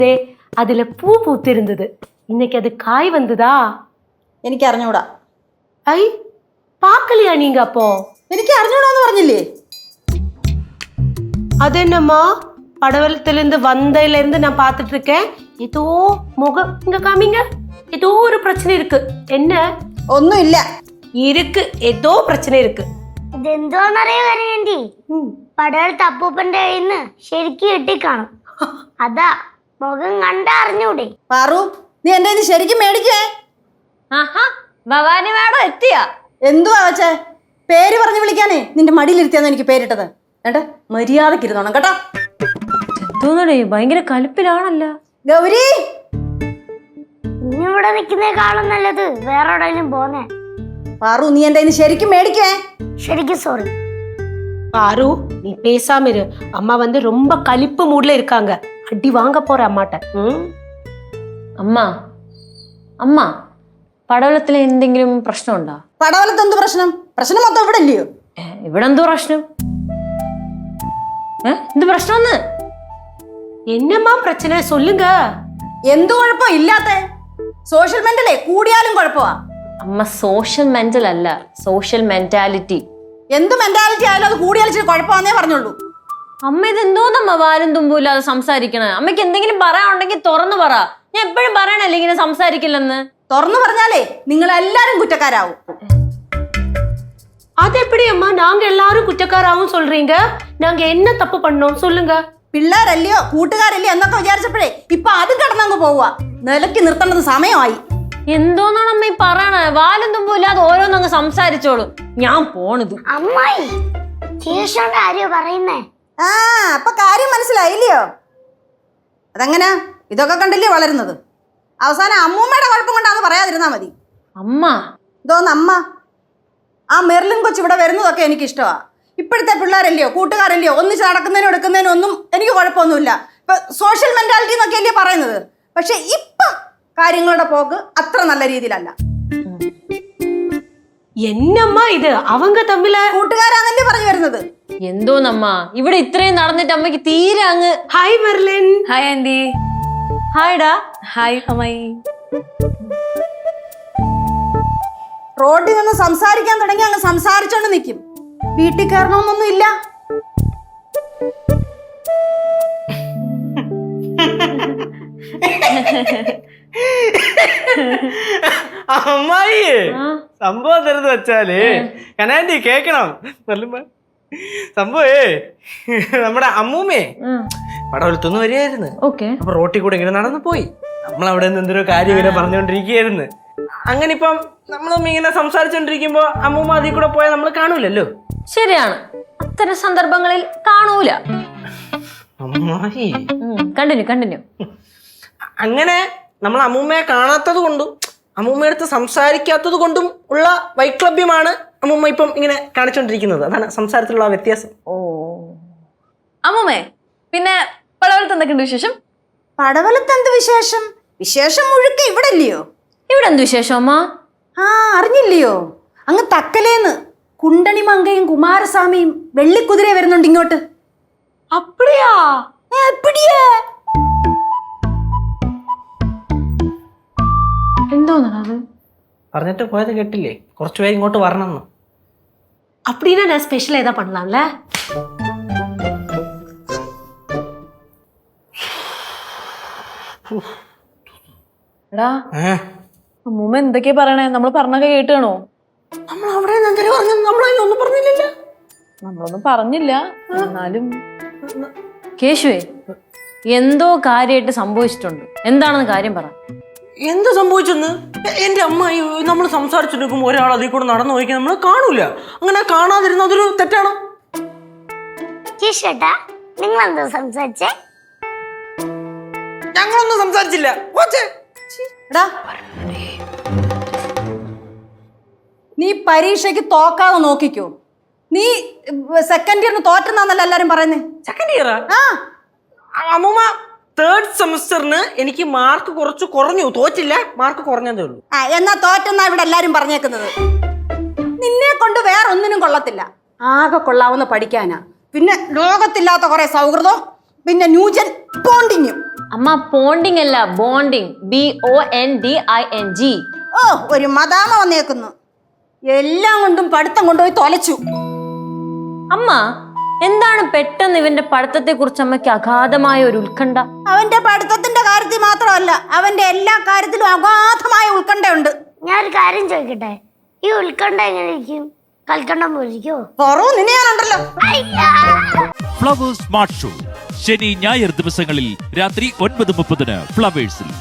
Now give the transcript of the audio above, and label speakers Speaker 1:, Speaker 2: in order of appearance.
Speaker 1: அதுல பூ பூத்திருந்தது. இன்னைக்கு அது காய் வந்ததா?
Speaker 2: എനിക്ക് അറിഞ്ഞൂടാ.
Speaker 1: ஐ பார்க்கலையா நீங்க அப்போ?
Speaker 2: എനിക്ക് അറിഞ്ഞൂടാന്ന് പറഞ്ഞില്ലേ?
Speaker 1: அதென்னம்மா படவலத்திலிருந்து வந்ததுல இருந்து நான் பார்த்துட்டு இருக்கேன். ஏதோ முகம் இங்க காமிங்க. ஏதோ ஒரு பிரச்சனை இருக்கு. என்ன?
Speaker 2: ഒന്നുമില്ല.
Speaker 1: இருக்கு, ஏதோ பிரச்சனை இருக்கு.
Speaker 3: ഇതെന്തോന്നറിയോ കരയണ്ടി? പടവലത്തെ അപ്പൂപ്പന്റെ കയ്യിന്ന് ശരിക്കും കിട്ടിക്കാണും. അതാ മുഖം കണ്ടാ അറിഞ്ഞൂടെ?
Speaker 2: പാറു, നീ എന്റെ കയ്യിന്ന് ശരിക്കും മേടിക്കേ?
Speaker 4: ഭവാനി മാഡം എത്തിയാ?
Speaker 2: എന്തുവാ വെച്ചേ? പേര് പറഞ്ഞു വിളിക്കാനേ നിന്റെ മടിയിലിരുത്തിയാന്ന് എനിക്ക് പേരിട്ടത്. ഏട്ടാ മര്യാദക്ക് ഇരുന്നോണം കേട്ടോ.
Speaker 4: എന്തോന്നടേ ഭയങ്കര കലിപ്പിലാണല്ലോ.
Speaker 2: ഗൗരി,
Speaker 3: ഇന്നിവിടെ നിൽക്കുന്നേക്കാളും നല്ലത് വേറെ എവിടെയെങ്കിലും പോന്നേ.
Speaker 2: പാറു, നീ എന്റെ കയ്യിന്ന് ശരിക്കും മേടിക്കേ?
Speaker 3: ശരിക്കും സോറി.
Speaker 1: பாரு, நீ பேசாம இரு. அம்மா வந்து ரொம்ப கலிப்பு மூட்ல இருக்காங்க. அடி வாங்க போற அம்மாட்ட.
Speaker 4: അമ്മ അമ്മ പടവലത്തിൽ എന്തെങ്കിലും പ്രശ്നമുണ്ടോ?
Speaker 2: പടവലത്ത് എന്ത് പ്രശ്നം? പ്രശ്നം മൊത്തം ഇവിടെ ഇല്ലയോ?
Speaker 4: ഇവിടെ എന്തോ പ്രശ്നം? എന്ത് പ്രശ്നം?
Speaker 1: என்னம்மா பிரச்சனை சொல்லுங்க.
Speaker 2: എന്ത് കുഴപ്പം ഇല്ലാത്ത? സോഷ്യൽ മെന്റലേ കൂടിയാലും കുഴപ്പമാ.
Speaker 4: അമ്മ സോഷ്യൽ മെന്റൽ അല്ല, സോഷ്യൽ മെന്റാലിറ്റി.
Speaker 2: എന്ത് മെന്റാലിറ്റി ആയാലും അത് കൂടിയാലും കുഴപ്പമാന്നേ പറഞ്ഞുള്ളൂ.
Speaker 4: അമ്മ ഇത് എന്തോന്നമ്മ വാലും തുമ്പും ഇല്ലാതെ സംസാരിക്കണേ? അമ്മയ്ക്ക് എന്തെങ്കിലും പറയാനുണ്ടെങ്കിൽ തുറന്നു പറ. ഞാൻ എപ്പോഴും പറയണല്ലേ ഇങ്ങനെ സംസാരിക്കില്ലെന്ന്.
Speaker 2: തുറന്നു പറഞ്ഞാലേ നിങ്ങൾ എല്ലാരും കുറ്റക്കാരാവും.
Speaker 1: அது எப்படி அம்மா நாங்க எல்லாரும் குற்றக்காராவும் சொல்றீங்க? நாங்க என்ன தப்பு பண்ணோம் சொல்லுங்க.
Speaker 2: പിള്ളേരല്ലയോ കൂട്ടുകാരല്ലയോ എന്നൊക്കെ വിചാരിച്ചപ്പോഴേ ഇപ്പൊ അതും കടന്നങ്ങ് പോവുക. നിലയ്ക്ക് നിർത്തേണ്ടത് സമയമായി.
Speaker 4: എന്തോന്നാണ് അമ്മ ഈ പറയണേ? വാലും തുമ്പും ഇല്ലാതെ ഓരോന്നങ്ങ് സംസാരിച്ചോളൂ. ഞാൻ പോണത്.
Speaker 3: അമ്മായി ശേഷോണ്ട് ആരെയോ പറയുന്നേ?
Speaker 2: ആ, അപ്പൊ കാര്യം മനസ്സിലായില്ലയോ? അതെങ്ങനാ? ഇതൊക്കെ കണ്ടില്ലേ വളരുന്നത്? അവസാനം അമ്മൂമ്മയുടെ കുഴപ്പം കൊണ്ടാന്ന് പറയാതിരുന്നാ മതി.
Speaker 4: അമ്മ
Speaker 2: ഇതോന്ന് അമ്മ. ആ മെർലിൻ കൊച്ച് ഇവിടെ വരുന്നതൊക്കെ എനിക്ക് ഇഷ്ടമാ. ഇപ്പോഴത്തെ പിള്ളേരല്ലയോ കൂട്ടുകാരല്ലയോ ഒന്നിച്ച് നടക്കുന്നതിനും എടുക്കുന്നതിനും ഒന്നും എനിക്ക് കുഴപ്പമൊന്നുമില്ല. ഇപ്പൊ സോഷ്യൽ മെന്റാലിറ്റി എന്നൊക്കെ അല്ലേ പറയുന്നത്. പക്ഷെ ഇപ്പൊ കാര്യങ്ങളുടെ പോക്ക് അത്ര നല്ല രീതിയിലല്ല.
Speaker 1: என்னம்மா இது? அவங்க തമ്മിൽ
Speaker 2: കൂട്ടുകാരാന്നല്ലേ പറഞ്ഞു വരുന്നത്.
Speaker 4: എന്തോന്നമ്മ ഇവിടെ ഇത്രയും നടന്നിട്ട് അമ്മയ്ക്ക് തീരെ അങ്ങ്.
Speaker 1: ഹായ് മെർലിൻ.
Speaker 4: Hi aunty. ഹായ്ഡാ. ഹായ് അമ്മായി.
Speaker 2: റോഡിൽ നിന്ന് സംസാരിക്കാൻ തുടങ്ങി അങ്ങ് സംസാരിച്ചോണ്ട് നിൽക്കും. വീട്ടിൽ കയറണമെന്നൊന്നും ഇല്ല.
Speaker 5: അമ്മായി സംഭവം തരുന്ന് വെച്ചാല് കനാൻഡി കേക്കണം. സംഭവേ നമ്മുടെ അമ്മൂമ്മേ പടവലത്തൊന്ന് വരികയായിരുന്നു. അപ്പൊ റോട്ടിൽ കൂടെ ഇങ്ങനെ നടന്നു പോയി. നമ്മളവിടെ നിന്ന് എന്തൊരു കാര്യം ഇങ്ങനെ പറഞ്ഞുകൊണ്ടിരിക്കുകയായിരുന്നു. അങ്ങനെ ഇപ്പം നമ്മളമ്മ ഇങ്ങനെ സംസാരിച്ചോണ്ടിരിക്കുമ്പോ അമ്മൂമ്മ അതിൽ കൂടെ പോയാൽ നമ്മൾ കാണൂലല്ലോ.
Speaker 4: ശരിയാണ്, അത്തരം സന്ദർഭങ്ങളിൽ കാണൂല.
Speaker 5: അമ്മായി
Speaker 4: കണ്ടിന്യൂ.
Speaker 5: അങ്ങനെ നമ്മൾ അമ്മൂമ്മയെ കാണാത്തത് കൊണ്ടും അമ്മൂമ്മയടുത്ത് സംസാരിക്കാത്തത് കൊണ്ടും ഉള്ള വൈക്ലഭ്യമാണ് അമ്മൂമ്മ ഇപ്പം ഇങ്ങനെ കാണിച്ചോണ്ടിരിക്കുന്നത്. അതാണ് സംസാരത്തിലുള്ള വ്യത്യാസം.
Speaker 4: ഓ അമ്മൂമ്മേ, പിന്നെ പടവലത്ത് എന്തൊക്കെയുണ്ട് വിശേഷം?
Speaker 2: പടവലത്ത് എന്ത് വിശേഷം? വിശേഷം മുഴുക്ക ഇവിടെ ഇല്ലയോ?
Speaker 4: ഇവിടെ എന്ത് വിശേഷം അമ്മ?
Speaker 2: ആ, അറിഞ്ഞില്ലയോ? അങ്ങ് തക്കലേന്ന് കുണ്ടണി മങ്കയും കുമാരസ്വാമിയും വെള്ളിക്കുതിര വരുന്നുണ്ട് ഇങ്ങോട്ട്.
Speaker 1: அப்படியா?
Speaker 2: എപ്പിടിയാ?
Speaker 4: എന്തോന്നത്
Speaker 5: പറഞ്ഞിട്ട് പോയത് കേട്ടില്ലേ? കുറച്ചുപേര് ഇങ്ങോട്ട് വരണമെന്ന്.
Speaker 1: அப்படின்னா நான் ஸ்பெஷல் ஏதா பண்ணலாம்ல?
Speaker 4: എടാ അമ്മൂമ്മ എന്തൊക്കെയാ പറയണേ? നമ്മൾ പറഞ്ഞൊക്കെ കേട്ടാണോ?
Speaker 5: നമ്മൾ അവിടെ നമ്മളൊന്നും പറഞ്ഞില്ലല്ലോ.
Speaker 4: നമ്മളൊന്നും പറഞ്ഞില്ല. എന്നാലും കേശുവേ എന്തോ കാര്യമായിട്ട് സംഭവിച്ചിട്ടുണ്ട്. എന്താണെന്ന് കാര്യം പറ.
Speaker 5: എന്ത് സംഭവിച്ചെന്ന്? എന്റെ അമ്മ നമ്മൾ സംസാരിച്ചിരിക്കുമ്പോ ഒരാൾ അതിൽ കൂടെ നടന്നു പോയിക്കാൻ നമ്മൾ കാണൂല. അങ്ങനെ കാണാതിരുന്ന അതൊരു തെറ്റാണോ?
Speaker 3: ചേട്ടാ നിങ്ങൾ എന്താ സംസാരിച്ചേ?
Speaker 5: ഞങ്ങളൊന്നും സംസാരിച്ചില്ല.
Speaker 2: നീ പരീക്ഷയ്ക്ക് തോക്കാതെ നോക്കിക്കോ. നീ സെക്കൻഡ് ഇയറിന് തോറ്റെന്നാന്നല്ല എല്ലാരും പറയുന്നേ.
Speaker 5: സെക്കൻഡ് ഇയറാ? അമ്മൂമ്മ തേർഡ് സെമസ്റ്ററിന് എനിക്ക് മാർക്ക് കുറച്ച് കുറഞ്ഞു. തോറ്റില്ല, മാർക്ക് കുറഞ്ഞതേ ഉള്ളൂ.
Speaker 2: എന്നാ തോറ്റെന്നാ ഇവിടെ എല്ലാരും പറഞ്ഞേക്കുന്നത്. നിന്നെ കൊണ്ട് വേറെ ഒന്നിനും കൊള്ളത്തില്ല. ആകെ കൊള്ളാവുന്ന പഠിക്കാനാ. പിന്നെ ലോകത്തില്ലാത്ത കുറെ സൗഹൃദം, പിന്നെ ന്യൂജൻ ബോണ്ടിങ്ങും.
Speaker 4: അമ്മ പോണ്ടിങ് അല്ല ബോണ്ടിങ്, BONDING.
Speaker 2: ഓ ഒരു മദാമ വന്നേക്കുന്നു. എല്ലാം കൊണ്ടും പഠിത്തം കൊണ്ടുപോയി തൊലച്ചു.
Speaker 4: അമ്മ എന്താണ് പെട്ടെന്ന് ഇവന്റെ പഠിത്തത്തെ കുറിച്ച് അമ്മയ്ക്ക് അഗാധമായ ഒരു ഉത്കണ്ഠ?
Speaker 2: അവന്റെ പഠിത്തത്തിന്റെ കാര്യത്തിൽ മാത്രമല്ല, അവന്റെ എല്ലാ കാര്യത്തിലും അഗാധമായ ഉത്കണ്ഠയുണ്ട്.
Speaker 3: ഞാനൊരു കാര്യം ചോദിക്കട്ടെ, ഈ ഉത്കണ്ഠ എങ്ങനെ ഇരിക്കും? കൽക്കണ്ടം പോലിരിക്കോ?
Speaker 2: കുറവ് നിന്നെയാണുണ്ടല്ലോ.
Speaker 6: ഫ്ലവേഴ്സ് സ്മാർട്ട് ഷോ ശനി ഞായർ ദിവസങ്ങളിൽ രാത്രി 9:30 ഫ്ലവേഴ്സിൽ.